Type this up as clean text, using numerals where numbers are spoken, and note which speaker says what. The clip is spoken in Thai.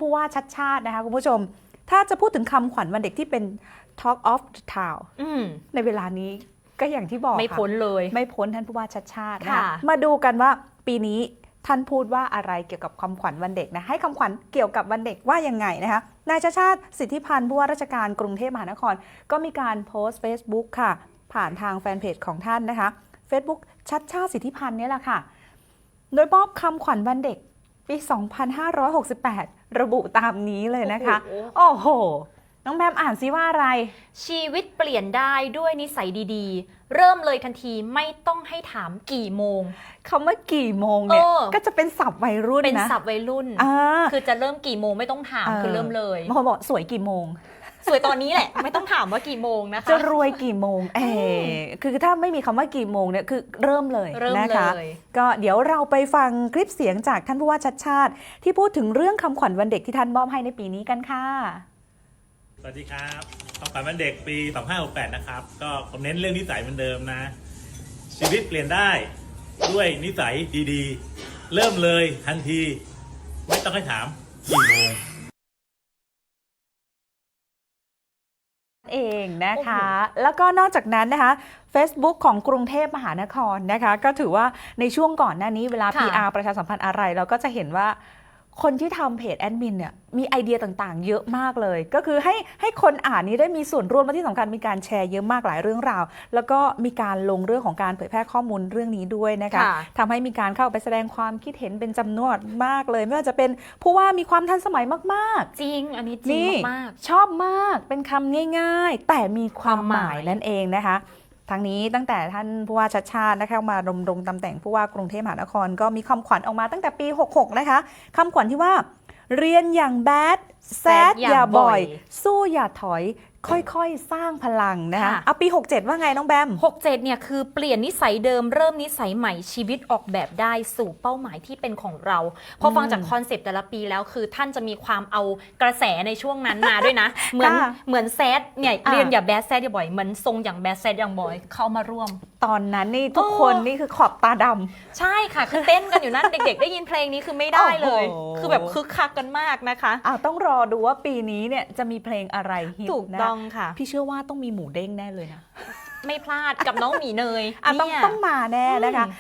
Speaker 1: ผู้ว่าชัดชาตินะคะคุณผู้ชมถ้าจะพูดถึงคำขวัญวันเด็กที่เป็น Talk of the Town ในเวลานี้ก็อย่างที่บอก
Speaker 2: ไม่พ้นเลย
Speaker 1: ไม่พ้นท่านผู้ว่าชัดชาตินะคะ
Speaker 2: ค่ะ
Speaker 1: มาดูกันว่าปีนี้ท่านพูดว่าอะไรเกี่ยวกับคำขวัญวันเด็กนะให้คำขวัญเกี่ยวกับวันเด็กว่ายังไงนะคะนายชัดชาติสิทธิพันธ์ผู้ว่าราชการกรุงเทพมหานครก็มีการโพสต์ Facebook ค่ะผ่านทางแฟนเพจของท่านนะคะ Facebook ชัดชาติสิทธิพันธ์นี่แหละค่ะโดยมอบคำขวัญวันเด็กปี 2568 ระบุตามนี้เลยนะคะโอ้โหน้องแบมอ่านซิว่าอะไร
Speaker 2: ชีวิตเปลี่ยนได้ด้วยนิสัยดีๆเริ่มเลยทันทีไม่ต้องให้ถามกี่โมง
Speaker 1: คำว่ากี่โมงเนี่ยก็จะเป็นศัพท์วัยรุ่นนะ
Speaker 2: เป็นศัพท์วัยรุ่นคือจะเริ่มกี่โมงไม่ต้องถามคือเริ่มเลย
Speaker 1: บางคนบอกสวยกี่โมง
Speaker 2: สวยตอนนี้แหละไม่ต้องถามว่ากี่โมงนะคะ
Speaker 1: จะรวยกี่โมงคือถ้าไม่มีคำว่ากี่โมงเนี่ยคือเริ่มเลยนะคะก็เดี๋ยวเราไปฟังคลิปเสียงจากท่านผู้ว่าชัดชาติที่พูดถึงเรื่องคำขวัญวันเด็กที่ท่านมอบให้ในปีนี้กันค่ะ
Speaker 3: สวัสดีครับคำขวัญวันเด็กปี 2568 นะครับก็ผมเน้นเรื่องนิสัยเหมือนเดิมนะชีวิตเปลี่ยนได้ด้วยนิสัยดีๆเริ่มเลยทันทีไม่ต้องให้ถามกี่โมง
Speaker 1: เองนะคะแล้วก็นอกจากนั้นนะคะ Facebook ของกรุงเทพมหานครนะคะก็ถือว่าในช่วงก่อนหน้านี้เวลา PR ประชาสัมพันธ์อะไรเราก็จะเห็นว่าคนที่ทำเพจแอดมินเนี่ยมีไอเดียต่างๆเยอะมากเลยก็คือให้คนอ่านนี้ได้มีส่วนร่วมและที่สำคัญมีการแชร์เยอะมากหลายเรื่องราวแล้วก็มีการลงเรื่องของการเผยแพร่ข้อมูลเรื่องนี้ด้วยนะคะทำให้มีการเข้าไปแสดงความคิดเห็นเป็นจำนวนมากเลยไม่ว่าจะเป็นผู้ว่ามีความทันสมัยมาก
Speaker 2: ๆจริงอันนี้จริงมาก
Speaker 1: ชอบมากเป็นคำง่ายๆแต่มีความหมายนั่นเองนะคะทั้งนี้ตั้งแต่ท่านผู้ว่าชัดชาตินะคะมาดำรงตำแหน่งผู้ว่ากรุงเทพมหานครก็มีคำขวัญออกมาตั้งแต่ปี 66 นะคะคำขวัญที่ว่าเรียนอย่างแบดแซดอย่าบ่อยสู้อย่าถอยค่อยๆสร้างพลังนะคะเอาปี 67 ว่าไงน้องแบม
Speaker 2: 67เนี่ยคือเปลี่ยนนิสัยเดิมเริ่มนิสัยใหม่ชีวิตออกแบบได้สู่เป้าหมายที่เป็นของเราพอฟังจากคอนเซปต์แต่ละปีแล้วคือท่านจะมีความเอากระแสในช่วงนั้นมาด้วยนะ เหมือนแซดเนี่ยเรียนอย่าแบดแซดอย่าบ่อยเหมือนทรงอย่างแบดแซดอย่างบ่อยเข้ามาร่วม
Speaker 1: ตอนนั้นนี่ทุกคนนี่คือขอบตาด
Speaker 2: ำใช่ค่ะคือเต้นกันอยู่นั่นเด็กๆได้ยินเพลงนี้คือไม่ได้เลยคือแบบคึกคักกันมากนะคะ
Speaker 1: ต้องรอดูว่าปีนี้เนี่ยจะมีเพลงอะไรฮิตนะ
Speaker 2: ถูกต้องค่ะ
Speaker 1: พี่เชื่อว่าต้องมีหมูเด้งแน่เลยนะ
Speaker 2: ไม่พลาดกับน้องหมีเนย
Speaker 1: ต้องมาแน่นะคะ